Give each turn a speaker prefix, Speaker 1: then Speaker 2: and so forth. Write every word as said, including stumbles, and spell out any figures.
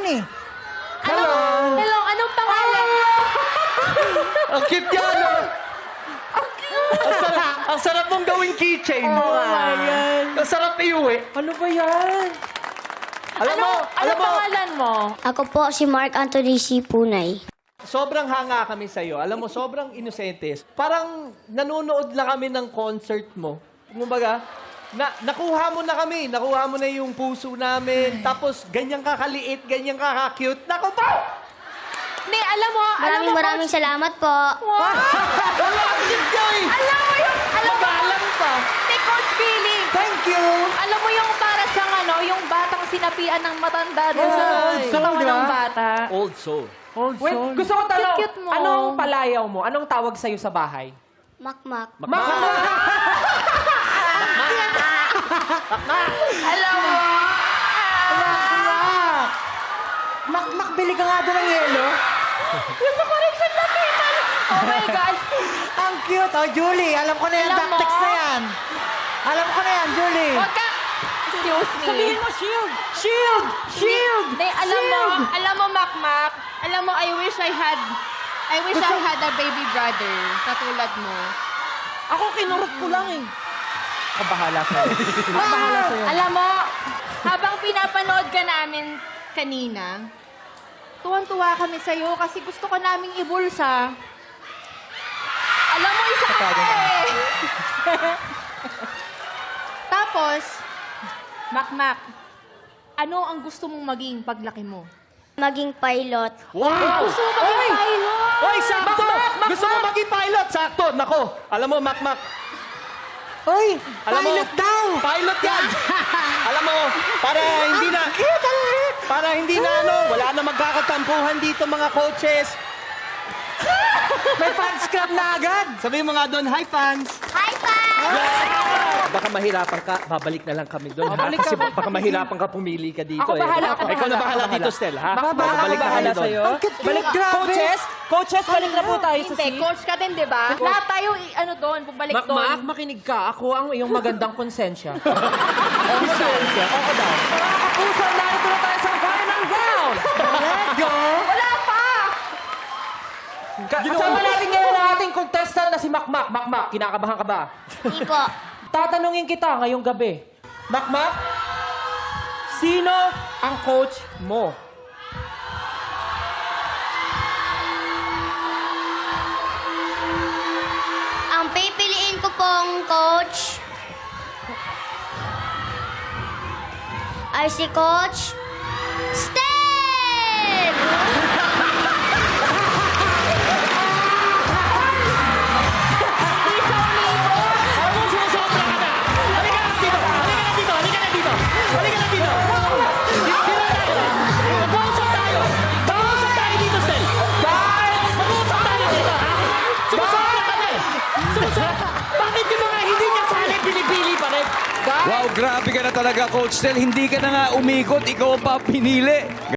Speaker 1: eh.
Speaker 2: Hello! Hello, anong pangalan?
Speaker 3: Ang cute yan, oh. Ang sarap, ang sarap mong gawing keychain.
Speaker 2: Oh my God.
Speaker 3: Ang sarap iuwi.
Speaker 2: Ano ba yan?
Speaker 3: Alam mo,
Speaker 2: ano,
Speaker 3: alam
Speaker 2: anong
Speaker 3: mo,
Speaker 2: pangalan mo?
Speaker 4: Ako po si Mark Anthony C. Punay.
Speaker 3: sobrang hanga kami sa'yo. Alam mo, sobrang inosentes. Parang nanonood lang kami ng concert mo. Kumbaga, na, nakuha mo na kami. Nakuha mo na yung puso namin. Tapos, ganyan kakaliit, ganyan kakakute. Naku po!
Speaker 2: Ni, alam mo, alam
Speaker 4: Maraming
Speaker 2: mo,
Speaker 4: maraming salamat po.
Speaker 2: Wow!
Speaker 3: Wala, ang cute Joy!
Speaker 2: Alam mo yung, alam mo,
Speaker 3: Magalang pa.
Speaker 2: ni Coach Billy.
Speaker 1: Thank you.
Speaker 2: Alam mo yung para siyang ano, yung batang sinapian ng matanda doon sa
Speaker 3: Ay.
Speaker 2: katawan
Speaker 1: Soul,
Speaker 2: ng
Speaker 1: ah.
Speaker 2: bata.
Speaker 3: Old soul.
Speaker 1: Old
Speaker 5: Wait, gusto ko tanong,
Speaker 2: Cute-cute mo.
Speaker 5: anong palayaw mo? Anong tawag sa'yo sa bahay?
Speaker 4: Makmak.
Speaker 2: Alam mo,
Speaker 1: Makmak, bili ka nga doon ng yelo.
Speaker 2: gusto ko rin siyang lapitan. Oh my God.
Speaker 1: Ang cute. Oh, Julie, alam ko na yan.
Speaker 2: Alam mo?
Speaker 1: Tactics na yan. Alam ko na yan, Julie.
Speaker 2: Huwag ka. Excuse me.
Speaker 5: Sabihin mo, shield! Shield! Shield!
Speaker 2: Hindi, alam mo, alam mo, Makmak, alam mo, I wish I had, I wish I had a baby brother, katulad mo.
Speaker 5: Ako kinurot ko lang eh. Kabahala sa'yo. Kabahala sa'yo.
Speaker 2: Alam mo, habang pinapanood ka namin kanina, tuwan-tuwa kami sa'yo kasi gusto ko naming ibulsa. Alam mo, isa ka pa eh. Tapos, Makmak, ano ang gusto mong maging paglaki mo?
Speaker 4: Maging pilot.
Speaker 3: Wow!
Speaker 2: Gusto mo maging pilot?
Speaker 3: Hoy, sakto! Gusto mo maging pilot? Sakto! Nako, alam mo, Makmak,
Speaker 1: Uy,
Speaker 3: alam mo,
Speaker 1: pilot daw.
Speaker 3: Pilot yan! Alam mo, para hindi na... Para hindi na ano, wala na magkakatampuhan dito mga coaches.
Speaker 1: May fans club na agad.
Speaker 3: Sabihin mo nga doon, hi fans!
Speaker 4: Hi, fans!
Speaker 3: Baka mahirapan ka, babalik na lang kami doon. ha?
Speaker 5: Babalik
Speaker 3: Kasi
Speaker 5: ka.
Speaker 3: baka mahirapan ka pumili ka dito.
Speaker 5: Ako
Speaker 3: eh.
Speaker 5: bahala, ako
Speaker 3: Ikaw na
Speaker 5: bahala,
Speaker 3: bahala
Speaker 5: ako
Speaker 3: dito,
Speaker 5: bahala.
Speaker 3: Stel, ha?
Speaker 5: Baka
Speaker 3: Babalik na kami
Speaker 5: bahala
Speaker 3: doon.
Speaker 5: sa'yo.
Speaker 1: Ang cute,
Speaker 5: Balik,
Speaker 1: grabe.
Speaker 5: coaches, coaches, balik na po tayo sa
Speaker 2: Hindi,
Speaker 5: seat.
Speaker 2: coach ka din, di ba? Lahat tayo, i- ano doon, bumalik
Speaker 5: Mak,
Speaker 2: doon.
Speaker 5: Mak, makinig ka. Ako ang iyong magandang konsensya. Konsensya? Oo daw. Mga kapuso, narito na tayo sa final round.
Speaker 1: Let's go.
Speaker 2: Wala pa!
Speaker 5: Ka- Kasama natin ngayon ang ating contestant na si Makmak. Makmak, kinakabahan ka ba?
Speaker 4: Hindi po.
Speaker 5: Tatanungin kita ngayong gabi. Makmak, sino ang coach mo?
Speaker 4: Ang pipiliin ko pong coach ay si Coach Stel!
Speaker 3: Ano sumusobra ka na? Halika na dito! Halika na dito! Halika na dito! Halika na dito! Dito na tayo! Mag-uusap tayo! Mag-uusap tayo dito, Stel! Guys! Mag-uusap tayo dito, ha? Sumusobra ka na eh! Sumusobra! Bakit yung mga hindi kasali, pinipili pa rin?
Speaker 6: Wow, grabe ka na talaga, Coach Tel. Hindi ka na nga umikot, ikaw pa pinili.